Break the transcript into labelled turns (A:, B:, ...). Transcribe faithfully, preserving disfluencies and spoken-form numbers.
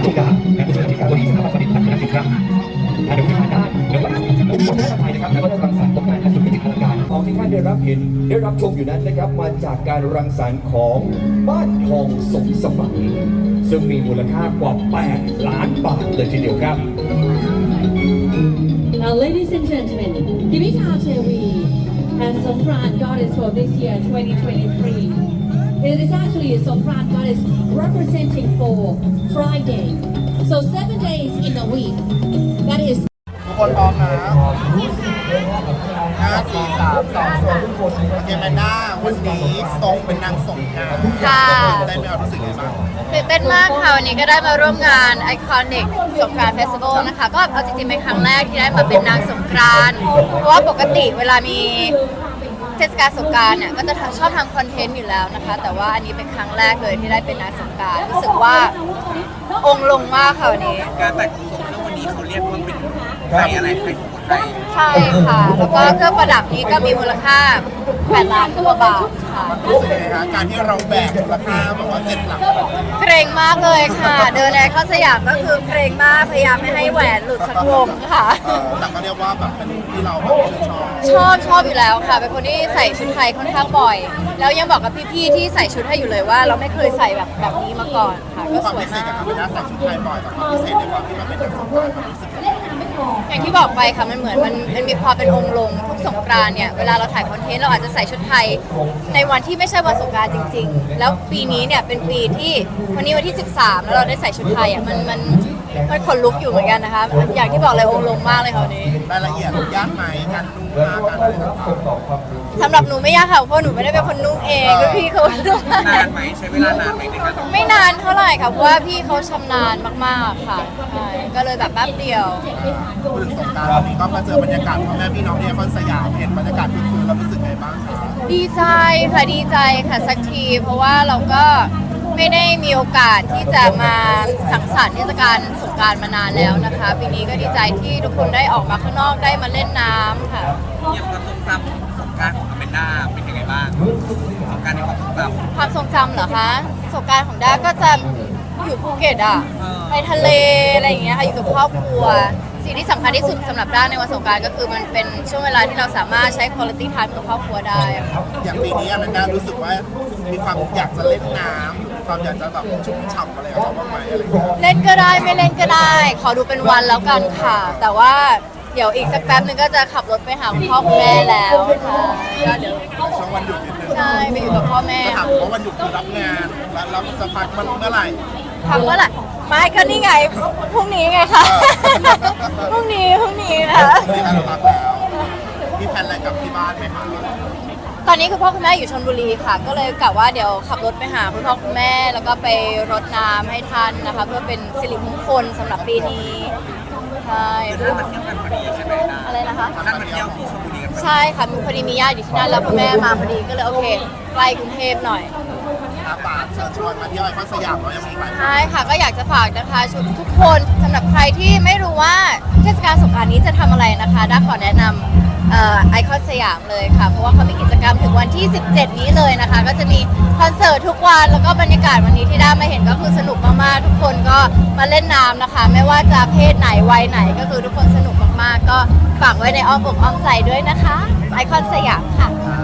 A: จุฬาและผู้ช่วยอธิการบดีสถาบันผลิตพัฒนาสินค้าทางวิชาการเรื่องหลักองค์กรไทยนะครับแล้วก็ได้รังสรรค์ผลงานและสุดวิจิตรการของที่ท่านได้รับเห็นได้รับชมอยู่นั้นนะครับมาจากการรังสรรค์ของบ้านทองสมสมัยซึ่งมีมูลค่ากว่าแปดล้านบาทเลยทีเดียวครับ
B: Now, ladies and gentlemen, Dimitar Tewi as Songkran Goddess for this year, twenty twenty-three. It is actually a Songkran Goddess representing for Friday. So seven days in a week. That is.
C: ทุกคนพร้อมนะห้าสี่สามสองสองเกมแมนด้าวันนี้ทรงเป็นนางสงกรานต์
D: ค่ะ
C: ได้ไหมเอารู้สึกยังไงบ้าง
D: ตื่นเต้นมากค่ะวันนี้ก็ได้มาร่วมงาน Iconic สงกรานต์เฟสติวัลนะคะก็เอาจริงๆเป็นครั้งแรกที่ได้มาเป็นนางสงกรานต์เพราะว่าปกติเวลามีเทศกาลสงกรานต์เนี่ยก็จะชอบทำคอนเทนต์อยู่แล้วนะคะแต่ว่าอันนี้เป็นครั้งแรกเลยที่ได้เป็นนางสงกรานต์รู้สึกว่าองค์ลงมากค่ะวันนี้
E: การแต่งของสงฆ์ในวันนี้เขาเรียกว่าเป็นไทยอะไรไทยสมุนไพร
D: ใช่ค่ะแล้วก็เครื่องประดับนี้ก็มีมูลค่าแปดล้านกว่าบาทค่ะ
C: รู้สึกยังไงคะการที่เราแบกมูลค่าแบบว่าเจ็ดหลัก
D: เกรงมากเลยค่ะ เดินแอร์เข้าสยามก็คือเกรงมากพยายามไม่ให้แหวนหลุดสักวงค่ะ
C: เออแต่ก็เรียกว่าแบบเป็นที่เราแบบชื่นชอบ
D: ชอบชอบอยู่แล้วค่ะ เป็นคนที่ใส่ชุดไทยค่อนข้างบ่อย แล้วยังบอกกับพี่ๆที่ใส่ชุดให้อยู่เลยว่า เราไม่เคยใส่แบบแบบนี้มาก่อนค่ะ ก็
C: ความ
D: สวย
C: พิเศษ
D: มา
C: กับ
D: ก
C: คาเมล่าใส่ชุดไทยบ่อยแต่ความพิเศษในความที่มันเป็นนางสงกรานต์มันรู้สึกยังไง
D: อย่างที่บอกไปค่ะมันเหมือนมันมันมีความเป็นองค์ลงทุกสงกรานต์เนี่ยเวลาเราถ่ายคอนเทนต์เราอาจจะใส่ชุดไทยในวันที่ไม่ใช่วันสงกรานต์จริง ๆ แล้วปีนี้เนี่ยเป็นปีที่วันนี้วันที่สิบสามแล้วเราได้ใส่ชุดไทยอ่ะมันมันมันขนลุกอยู่เหมือนกันนะคะอย่างที่บอกเลยองค์ลงมากเลยค่ะวันนี้
C: รายละเอียดยากไหมการนุ่งผ้าการอะไรต่าง
D: สำหรับหนูไม่ยากค่ะเพราะหนูไม่ได้เป็นคนนุ่งเองก็พี่เขานุ่ง
E: นานไหมใช้เวลานานไหมในการทำ
D: ไม่นานเท่าไหร่ค่ะเพราะว่าพี่เขาชำนาญมากๆค่ะใช่ก็เลยแบบแป๊บเดียว
C: ๆพูดถึงสงกรานต์วันนี้ก็มาเจอบรรยากาศพ่อแม่พี่น้องที่นครสยามเห็นบรรยากาศคึกคืนแล้วรู้สึกไงบ้างคะ
D: ดีใจค่ะดีใจค่ะสักที เพราะว่าเราก็ไม่ได้มีโอกาสที่จะมาสังสรรค์เทศกาลสงกรานต์มานานแล้วนะคะปีนี้ก็ดีใจที่ทุกคนได้ออกมาข้างนอกได้มาเล่นน้ำค่ะ
E: อย่างความทรงจำสงกรารของอเมนดาเป็นยังไงบ้างสงกรารในความทรงจำ
D: ความทรงจำเหรอคะสงกรานต์ของด้าก็จะอยู่ภูเก็ตอ่ะ
E: เออ
D: ไปทะเลอะไรอย่างเงี้ยค่ะอยู่กับครอบครัวสิ่งที่สำคัญที่สุดสำหรับด้าในวันสงกรานต์ก็คือมันเป็นช่วงเวลาที่เราสามารถใช้ quality time กับครอบครัวได้อะค่ะ
C: อย่างปีนี้อแมนด้ารู้สึกว่ามีความอยากจะเล่นน้ำความอยากจะแบบชุ่มฉ่ำอะไรกับเขาบ้างไหมอะไรอย่างเงี้ย
D: เล่นก็ได้ไม่เล่นก็ได้ ขอดูเป็นวันแล้วกันค่ะ แต่ว่าเดี๋ยวอีกสักแป๊บนึงก็จะขับรถไปหาคุณพ่อคุณแม่แล้วค่ะก็เดี๋ยว
C: ช่วงวันหยุดนิดนึง
D: ใช่ไปอยู่กับพ่อแม่
C: จะถามว่าวันหยุดคือรับงานแล้วเราจะพักมันเมื่อไหร่
D: พักเมื่อไหร่ไม่ก็นี่ไงพรุ่งนี้ไงคะ พรุ่งนี้พรุ่งนี้นะ
C: ที่เราพักแล้วมีแผนอะไรกับที่บ้านไหมคะ
D: ตอนนี้คุณพ่อคุณแม่อยู่ชลบุรีค่ะ ก็เลยกะว่าเดี๋ยวขับรถไปหาคุณพ่อคุณแม่ แล้วก็ไปรดน้ำให้ท่านนะคะ เพื่อเป็นสิริมงคลสำหรับปีนี้ใช่
E: ท่านมาเที่ยวกันพอดีใช่ไหมนะ
D: อะไรนะคะ
E: ท่านมาเที่ยวที่ชลบุรีกันพอดี
D: ใช่ค่ะมีพอดีมีญาติอยู่ที่นั่นแล้วคุณแม่มาพอดีก็เลยโอเคใกล้กรุงเทพหน่อย
C: อาปากเชิญชวนมาเที่ยวไอคอนสยามเรายังมีหลาย
D: ใช่ค่ะก็อยากจะฝากนะคะทุกคนสำหรับใครที่ไม่รู้ว่าเทศกาลสงกรานต์นี้จะทำอะไรนะคะด้าขอแนะนำไอคอนสยามเลยค่ะเพราะว่าเขามีกิจกรรมถึงวันที่สิบเจ็ดนี้เลยนะคะก็จะมีคอนเสิร์ตทุกวันแล้วก็บรรยากาศวันนี้ที่ด้ามาเห็นก็คือสนุกมากๆทุกคนก็มาเล่นน้ำนะคะ ไม่ว่าจะเพศไหนวัยไหนก็คือทุกคนสนุกมากๆก็ฝากไว้ในอ้อมอกอ้อมใจด้วยนะคะไอคอนสยามค่ะ